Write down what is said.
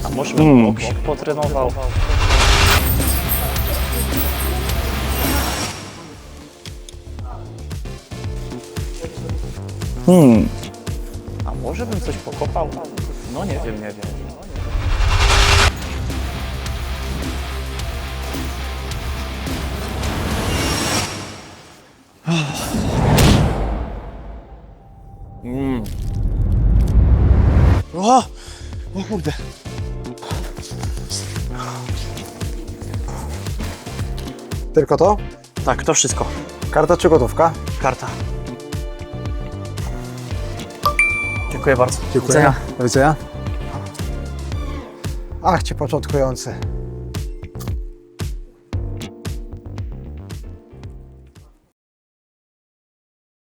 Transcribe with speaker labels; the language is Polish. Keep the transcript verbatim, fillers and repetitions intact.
Speaker 1: A może bym
Speaker 2: Mm.
Speaker 1: bok potrenował?
Speaker 2: Hmm.
Speaker 1: A może bym coś pokopał? No nie wiem, nie wiem.
Speaker 2: Mm. O! O kurde.
Speaker 3: Tylko to?
Speaker 1: Tak, to wszystko.
Speaker 3: Karta czy gotówka?
Speaker 1: Karta. Dziękuję bardzo.
Speaker 3: Dziękuję. Do widzenia. Ach, ci początkujący.